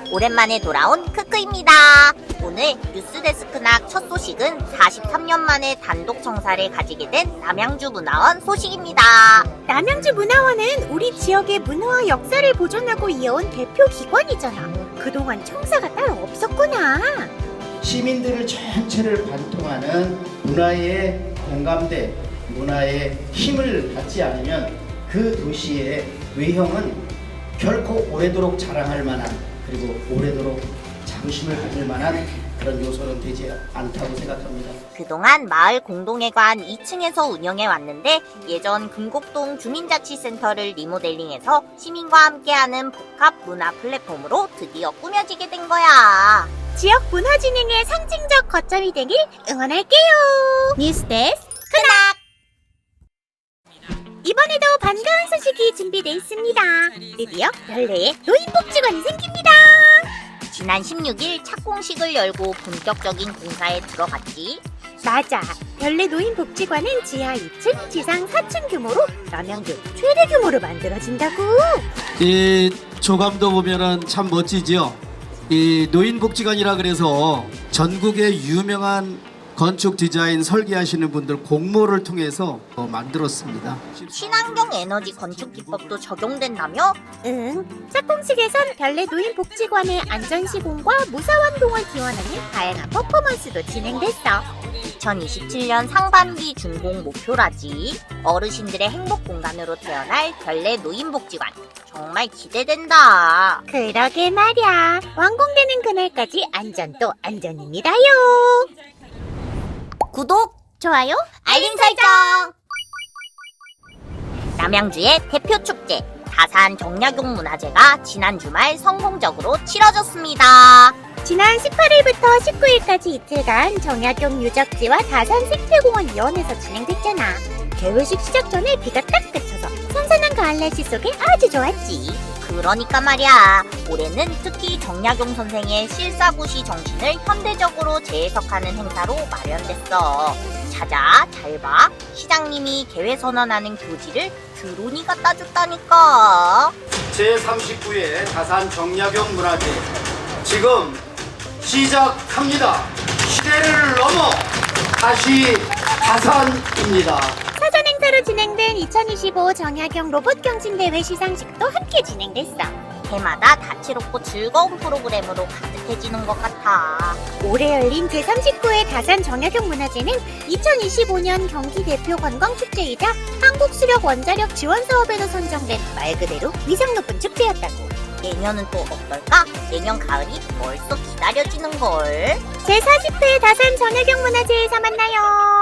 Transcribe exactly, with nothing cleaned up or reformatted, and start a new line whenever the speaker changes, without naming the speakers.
오랜만에 돌아온 크크입니다. 오늘 뉴스데스크낙 첫 소식은 사십삼 년 만에 단독 청사를 가지게 된 남양주 문화원 소식입니다.
남양주 문화원은 우리 지역의 문화와 역사를 보존하고 이어온 대표 기관이잖아. 그동안 청사가 따로 없었구나.
시민들을 전체를 관통하는 문화의 공감대, 문화의 힘을 받지 않으면 그 도시의 외형은 결코 오래도록 자랑할 만한, 그리고 오래도록 자부심을 가질 만한 그런 요소는 되지 않다고 생각합니다.
그동안 마을 공동회관 이 층에서 운영해 왔는데 예전 금곡동 주민자치센터를 리모델링해서 시민과 함께하는 복합 문화 플랫폼으로 드디어 꾸며지게 된 거야.
지역 문화 진흥의 상징적 거점이 되길 응원할게요. 뉴스데스크 크낙! 이번에도 반가운 소식이 준비되어 있습니다. 드디어 별내에 노인복지관이 생깁니다.
지난 십육 일 착공식을 열고 본격적인 공사에 들어갔지.
맞아. 별내 노인복지관은 지하 이 층, 지상 사 층 규모로 남양주 최대 규모로 만들어진다고.
이 조감도 보면은 참 멋지지요. 이 노인복지관이라 그래서 전국의 유명한 건축 디자인 설계하시는 분들 공모를 통해서 만들었습니다.
친환경 에너지 건축 기법도 적용된다며?
응. 착공식에선 별내 노인복지관의 안전시공과 무사활동을 기원하는 다양한 퍼포먼스도 진행됐어.
이천이십칠 년 상반기 준공 목표라지. 어르신들의 행복 공간으로 태어날 별내 노인복지관. 정말 기대된다.
그러게 말야. 완공되는 그날까지 안전 또 안전입니다요.
구독,
좋아요,
알림 설정! 남양주의 대표 축제 다산 정약용 문화제가 지난 주말 성공적으로 치러졌습니다.
지난 십팔 일부터 십구 일까지 이틀간 정약용 유적지와 다산 생태공원 이원에서 진행됐잖아. 개회식 시작 전에 비가 딱 그쳐서 선선한 가을 날씨 속에 아주 좋았지.
그러니까 말이야, 올해는 특히 정약용 선생의 실사구시 정신을 현대적으로 재해석하는 행사로 마련됐어. 찾아, 잘 봐. 시장님이 개회 선언하는 교지를 드론이 갖다 줬다니까.
제삼십구 회 다산 정약용 문화제 지금 시작합니다. 시대를 넘어 다시 다산입니다.
사전 행사로 진행된 이천이십오 정약용 로봇 경진대회 시상식도 함께 진행됐어.
해마다 다채롭고 즐거운 프로그램으로 가득해지는 것 같아.
올해 열린 제삼십구 회 다산 정약용 문화제는 이천이십오 년 경기 대표 관광축제이자 한국수력 원자력 지원 사업에도 선정된 말 그대로 위상 높은 축제였다고.
내년은 또 어떨까? 내년 가을이 벌써 기다려지는걸.
제사십 회 다산 정약용 문화제에서 만나요.